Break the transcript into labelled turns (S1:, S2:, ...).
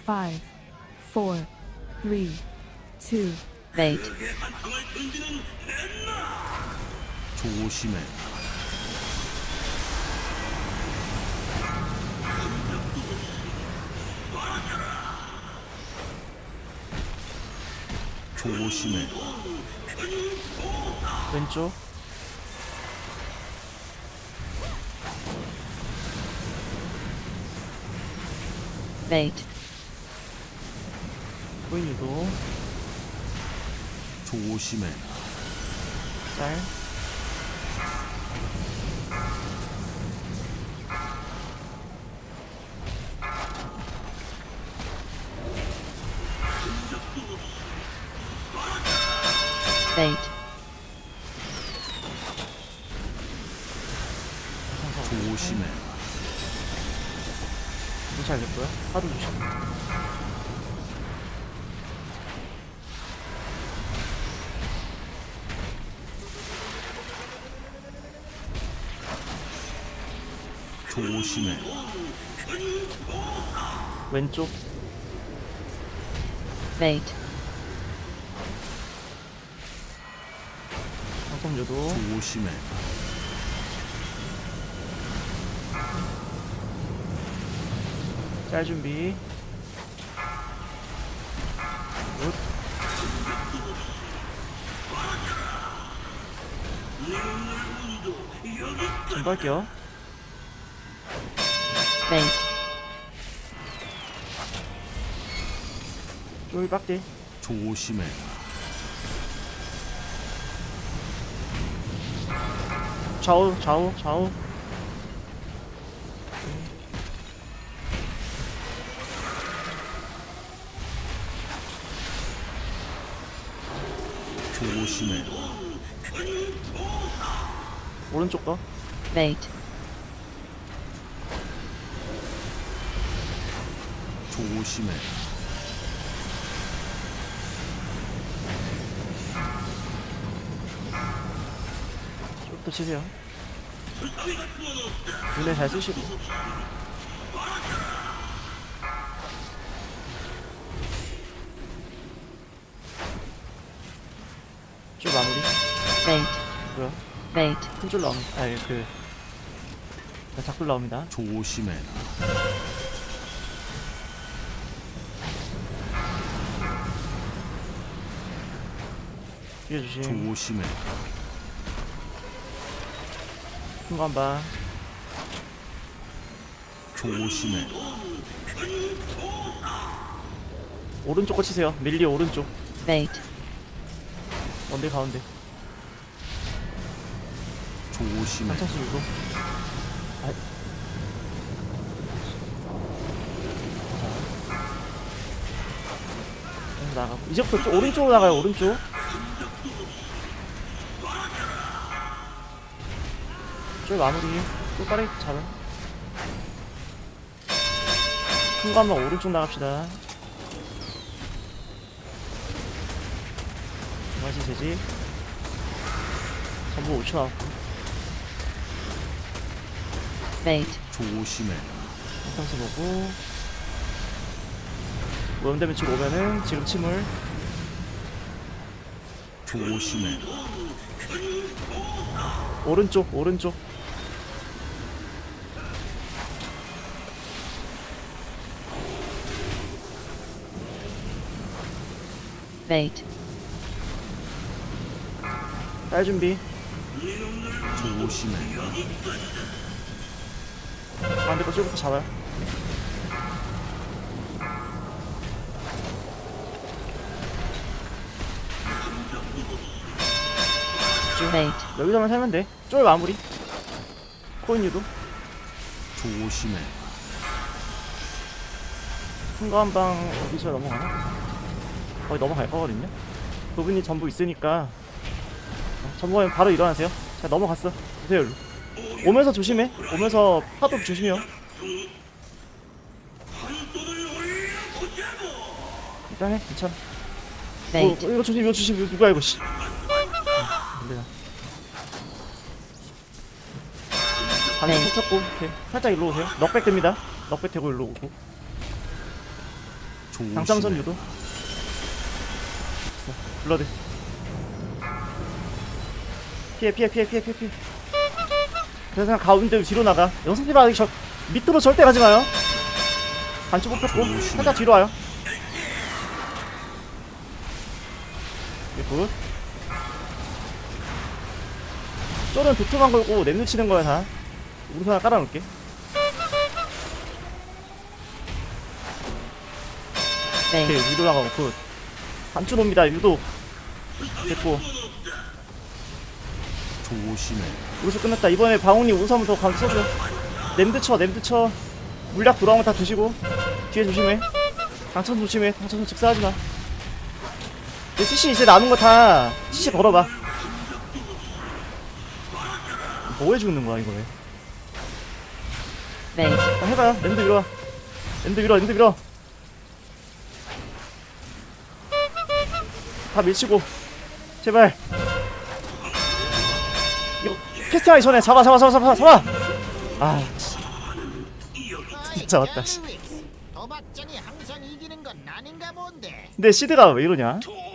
S1: 5, 4, 3, 2,
S2: Bait.
S3: 조심해. 조심해.
S4: 왼쪽
S2: Bait.
S4: 코인 유도
S3: 조심해.
S4: 짤
S2: Bait.
S3: 조심해.
S4: 무시 알겠고요. 하도 주시
S3: 조심해.
S4: 왼쪽
S2: Bait.
S4: 방송 유도
S3: 조심해.
S4: 짤 준비 굿 준비할게요.
S2: Bait.
S4: 쫄 빡대
S3: 조심해.
S4: 좌우 좌우 좌우
S3: 조심해.
S4: 오른쪽 거
S2: Bait.
S3: 조심해.
S4: 쪽도 치세요. 눈에 잘 쓰시고 쭉 마무리
S2: Bait.
S4: 뭐야
S2: Bait.
S4: 큰 줄 나옵니다. 아니 작불 나옵니다.
S3: 조심해.
S4: 뒤에 주심
S3: 조심해.
S4: 큰 거 한방
S3: 조심해.
S4: 오른쪽 거 치세요. 밀리 오른쪽
S2: Bait.
S4: 원딜 가운데
S3: 조심해.
S4: 한창씩 유도 나가고 이제부터 좀 오른쪽으로 나가요. 오른쪽 쫄 마무리 또 빠르게 잡아 큰 거 한번 오른쪽 나갑시다. 다시 되지 전부 5초 나왔고
S2: Bait.
S3: 조심해.
S4: 한탕수 보고 오염되면 지금 오면은 지금 침을
S3: 조심해.
S4: 오른쪽 오른쪽
S2: Bait.
S4: 딸 준비
S3: 조심해.
S4: 반대 거 쭉부터 잡아요.
S2: Bait.
S4: 여기서만 살면 돼. 쫄 마무리 코인 유도
S3: 조심해.
S4: 큰 거 한 방 어디서 넘어가나? 거의 넘어갈 거거든요. 그분이 전부 있으니까 전부 가면 바로 일어나세요. 자 넘어갔어. 보세요 일로. 오면서 조심해. 오면서 파도 조심해요. 일단 해. 괜찮아.
S2: Bait.
S4: 이거 조심 이거 조심. 이거 누가 이거 씨. 안되나. 방금
S2: 네.
S4: 펼쳤고 이렇게 살짝 일로 오세요. 넉백 됩니다. 넉백 되고 일로 오고 당첨선 유도. 블러드. 피해. 그래서 그냥 가운데 뒤로 나가. 영상님 아직 저 밑으로 절대 가지 마요. 반쪽 뽑혔고 살짝 뒤로 와요. 굿. 쫄은 도트만 걸고 랩누 치는 거야 다. 우리 하나 깔아놓을게. 오케이
S2: Bait.
S4: 위로 나가고 굿. 반쪽 옵니다 유도. 됐고
S3: 조심해.
S4: 우르스 끝났다. 이번에 방울님 우르스 한번 더 가서 써줘. 램드 쳐. 물약 돌아오면 다 드시고 뒤에 조심해. 당천 조심해. 당천 직사하지마. CC 이제 남은 거 다 CC 걸어봐. 뭐 해주는 거야 이거 왜?
S2: Bait.
S4: 해봐요. 랜드 밀어. 랜드 밀어. 다 밀치고 제발. 이거 캐스팅하기 전에 잡아. 아 진짜 왔다.
S5: 도박장이 항상 이기는 건 아닌가 본데.
S4: 근데 시드가 왜 이러냐?